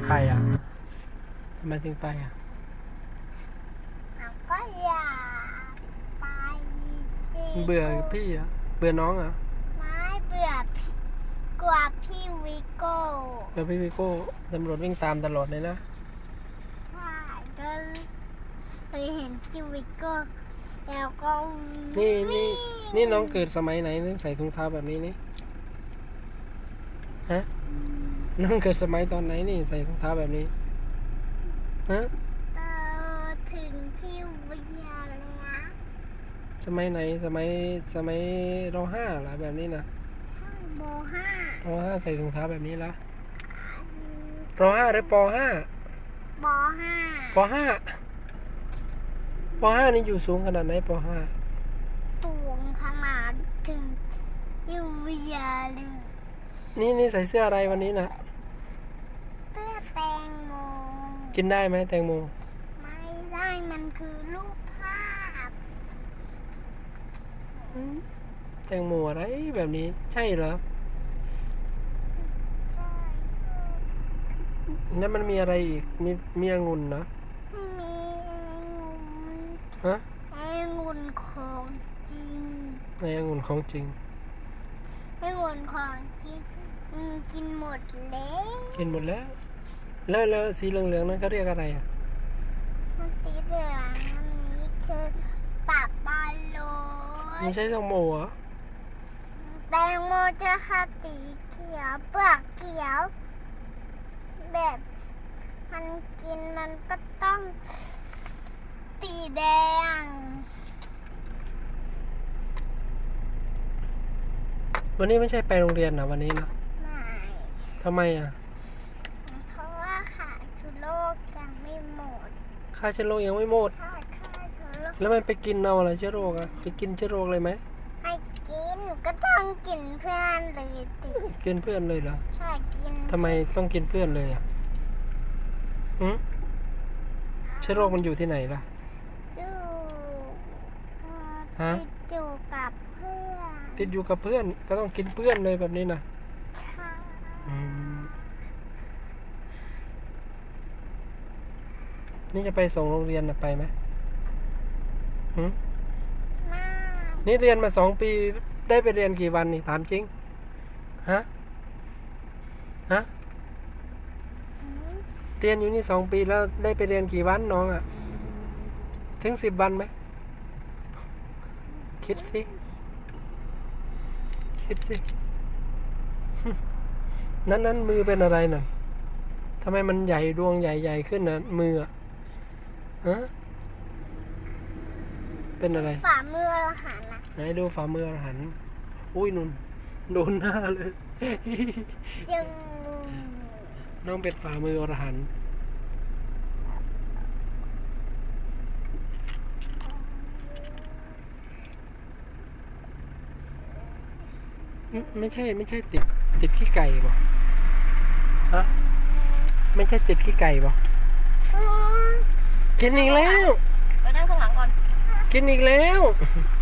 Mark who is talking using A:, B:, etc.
A: ไปอ่ะทำไมถึงไปอ่ะ
B: ก็อยากไป
A: เบื่อพี่อ่ะเบื่อน้องอ่ะ
B: ไม่เบื่อพี่กว่าพี่วิโก้
A: เบื่อพี่วิโก้ตำรวจวิ่งตามตลอดเลยนะ
B: ใช่ก็เคยเห็นพี่วิโก้แล้วก็
A: นี่น้องเกิดสมัยไหนนึกใส่ถุงเท้าแบบนี้นี่ฮะน้องเกิดสมัยตอนไหนนี่ใส่ถุงเท้าแบบนี้ฮะ
B: ถึงพี่วิทยาเลยนะ
A: สมัยไหนสมัยร.5เหรอแบบนี้นะ
B: ม.5
A: ร.5ใส่ถุงเท้าแบบนี้ละร.5หรือป .5
B: ม.5
A: ป .5 ป .5 นี่อยู่สูงขนาดไหนป .5
B: ตูงขนาดถึงพี่วิทยาเลย
A: นี่ใส่เสื้ออะไรวันนี้นะ
B: เสื้อแตงโม
A: กินได้ไหมแตงโม
B: ไม่ได้มันคือรูปภาพ
A: แตงโมอะไรแบบนี้ใช่เหรอ
B: ใช่
A: แล้วมันมีอะไรอีกมีองุ่นนะ
B: มี
A: ฮะ
B: องุ่นของจริง
A: ในองุ่นของจริง
B: องุ่นของจริงกินหมดแล้ว
A: กินหมดแล้วสีเหลืองๆนั้นเขาเรียกอะไรอ่ะ
B: มันสีเหลืองอันนี้คือตับบอลลูน
A: ไม่ใช่แตงโมเหรอ
B: แตงโมจะค่ะสีเขียวเปลือกเขียวแบบมันกินมันก็ต้องสีแดง
A: วันนี้ไม่ใช่ไปโรงเรียนนะวันนี้นะ
B: ไม่
A: ทำไมอ่ะ
B: เพราะว่าขาชุโลกยังไม่หมด
A: ค่าเชื้อโรคยังไม่หมด
B: ใช่ขาชุโลก
A: แล้วมันไปกินเอาอะไรเชื้อโรคอ่ะไปกินเชื้อโรคเลยไหม
B: ให้กินก็ต้องกินเพื่อนเลยติ
A: กินเพื่อนเลยเหรอ
B: ใช่กิน
A: ทำไมต้องกินเพื่อนเลยอ่ะเชื้อโรคมันอยู่ที่ไหนล่ะฮะ
B: ติดอยู่กับเพื่อน
A: ติดอยู่กับเพื่อนก็ต้องกินเพื่อนเลยแบบนี้นะ
B: ใช่
A: นี่จะไปส่งโรงเรียนนะไปไหม
B: ไม่
A: นี่เรียนมา2 ปีได้ไปเรียนกี่วันนี่ถามจริงฮะเรียนอยู่นี่2 ปีแล้วได้ไปเรียนกี่วันน้องอ่ะถึง10 วันไหมคิดสินั้นมือเป็นอะไรน่ะทำไมมันใหญ่ดวงใหญ่ขึ้นนะมือฮะเป็นอะไร
B: ฝ่ามือหันนะ
A: ไหนดูฝ่ามือหันอุ้ยนุ่นโดนหน้าเลย
B: ยัง
A: น้องเป็นฝ่ามืออรหันต์ไม่ใช่ติดขี้ไก่บ่ฮะไม่ใช่ติดขี้ไก่บ่กินอีกแล้ว
B: ไปนั่งข้างหลังก่อน
A: กินอีกแล้ว